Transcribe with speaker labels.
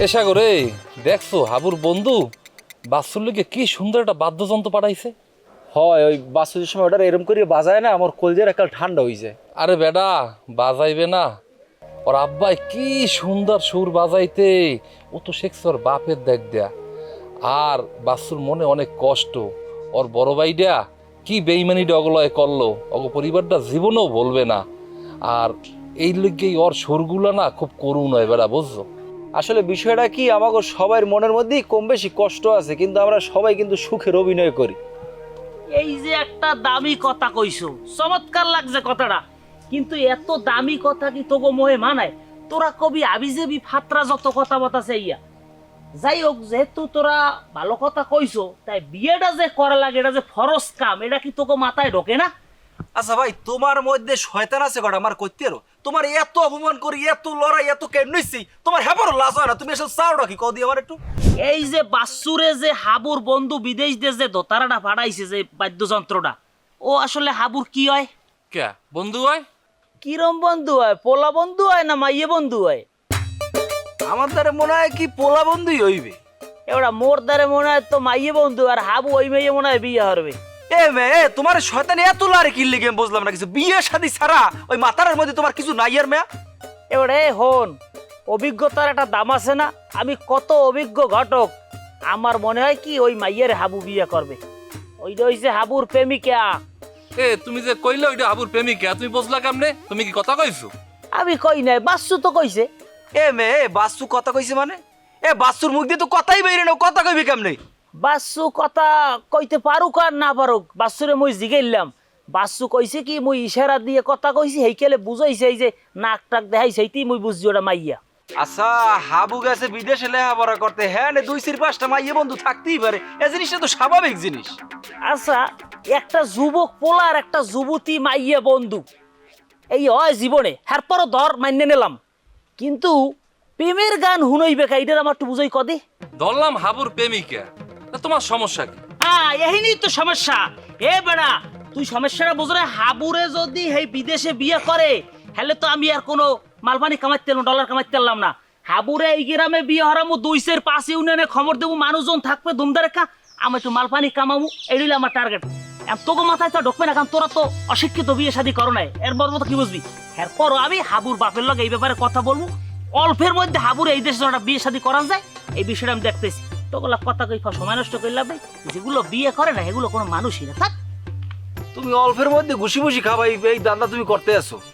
Speaker 1: এসা করে দেখছো হাবুর বন্ধু বাচ্চুর লোকে কি সুন্দর একটা বাদ্যযন্ত্র পাঠাইছে।
Speaker 2: হয় ওই বাসুদের সময় ওটা এরম করে বাজায় না, আমার কলজের একটা ঠান্ডা হয়ে যায়।
Speaker 1: আরে বেডা বাজাইবে না, ওর আব্বাই কি সুন্দর সুর বাজাইতে, ও তো শেখছে ওর বাপের দেখ দেয়া। আর বাচ্চুর মনে অনেক কষ্ট, ওর বড় ভাইটা কি বেইমানিটা অগলয় করলো, অগ পরিবারটা জীবনেও বলবে না। আর এই লিগেই ওর সুরগুলো না খুব করুণ হয় বেড়া, বুঝছো?
Speaker 2: আসলে বিষয়টা কি, আমাকে সবার মনের মধ্যেই কম বেশি কষ্ট আছে, কিন্তু আমরা সবাই কিন্তু সুখের অভিনয় করি।
Speaker 3: এই যে একটা দামি কথা কইছো, চমৎকার লাগছে কথাটা, কিন্তু এত দামি কথা কি তোগো মোহে মানায়? তোরা কবি আবিজেবি ফাত্রা যত কথা বতাছে ইয়া। যাই হোক, যেহেতু তোরা ভালো কথা কইছো, তাই বিয়েটা যে করা লাগে এটা যে ফরজ কাম, এটা কি তোকে মাথায় ঢোকে না?
Speaker 2: আচ্ছা ভাই, তোমার মধ্যে শয়তান আছে কটা আমার কইতে রো? তোমার এত অপমান করি, এত লড়াই, এত কেমনিছি, তোমার হেবারও লাজ হয় না? তুমি এসব চাওটা কি কও দি আমার একটু।
Speaker 3: এই যে বাচ্চুরে যে হাবুর বন্ধু বিদেশ দিয়ে যে দোতারাটা পাঠাইছে যে বাদ্যযন্ত্রটা, ও আসলে হাবুর কি হয়?
Speaker 1: কে বন্ধু হয়?
Speaker 3: কিরম বন্ধু হয়? পোলা বন্ধু হয় না মাইয়ে বন্ধু হয়?
Speaker 2: আমার দ্বারা মনে হয় কি পোলা বন্ধুই হইবে।
Speaker 3: এবার মোর দ্বারে মনে হয় তো মাইয়ে বন্ধু, আর হাবু ওই মেয়ে মনে হয় বিয়ে হবে।
Speaker 2: এ মে তোমার শয়তান এত লারে কিনলে গেম বুঝলাম না কিছু। বিয়ে শাদী ছাড়া ওই মাথার মধ্যে তোমার কিছু নাই আর মেয়া?
Speaker 3: এবারে হন, অভিজ্ঞতার একটা দাম আছে না? আমি কত অভিজ্ঞ ঘটক, আমার মনে হয় কি ওই মাইয়ের হাবু বিয়ে করবে। ওইটা হইছে হাবুর প্রেমিকা।
Speaker 1: এ তুমি যে কইলে ওইটা হাবুর প্রেমিকা, তুমি বুঝলা কেমনে? তুমি কি কথা কইছো?
Speaker 3: আমি কই নাই, বাচ্চু তো কইছে।
Speaker 2: এ মে বাসু কথা কইছে মানে? এ বাসুর মুখ দিয়ে তো কথাই বেরিয়ে না, কথা কইবি কেমনে?
Speaker 3: বাচ্চু কথা কইতে পারুক আর না পারুক, বাচ্চুরে মুই জিগাইলাম। বাচ্চু কইছে কি মুই ইশারা দিয়ে কথা কইছি, হেইকেলে বুঝাইছে এই যে নাক টাক দেখাই, সেইতেই মুই বুঝছি ওটা মাইয়া।
Speaker 2: আচ্ছা, হাবু গেছে বিদেশে লেখাপড়া করতে, হ্যাঁ নে 2-4-5টা মাইয়ে বন্ধু থাকতেই পারে, এ জিনিসটা তো স্বাভাবিক জিনিস।
Speaker 3: আচ্ছা, একটা যুবক পোলার একটা যুবতী মাইয়া বন্ধু এই হয় জীবনে, এরপরও ধর মান্য নিলাম, কিন্তু প্রেমের গান হুনইবে কা, এটার আমার একটু বুঝাই কদি।
Speaker 1: ধরলাম হাবুর প্রেমিকা, তা তোমার সমস্যা কি?
Speaker 3: এহিনি তো সমস্যা। এ বেড়া, তুই সমস্যাটা বুঝ রে। হাবুরে যদি এই বিদেশে বিয়ে করে, হলে তো আমি আর কোনো মালপানি কামাইতে ডলার কামাইতে পারলাম না। হাবুরে এই গ্রামে বিয়ে হারামু, 2-5 ইউনিয়নে খবর দেবো, মানুষজন থাকবে ধুমধারেখা, আমি একটু মালপানি কামাবো, এটাই আমার টার্গেট। তোকে মাথায় তো ঢুকবে না, কারণ তোরা তো অশিক্ষিত, বিয়ে শাদী করো নাই, এর বড় মতো কি বুঝবি? এরপরও আমি হাবুর বাপের লগে এই ব্যাপারে কথা বলবো, অল্পের মধ্যে হাবুর এই দেশে একটা বিয়ে শাদী করা যায়, এই বিষয়টা আমি দেখতেছি। তোগুলা কথা কই সময় নষ্ট করলাম, যেগুলো বিয়ে করে না এগুলো কোনো মানুষই না। থাক,
Speaker 2: তুমি অল্পের মধ্যে ঘুষি ঘুষি খাবাই, এই দান্দা তুমি করতে আসো?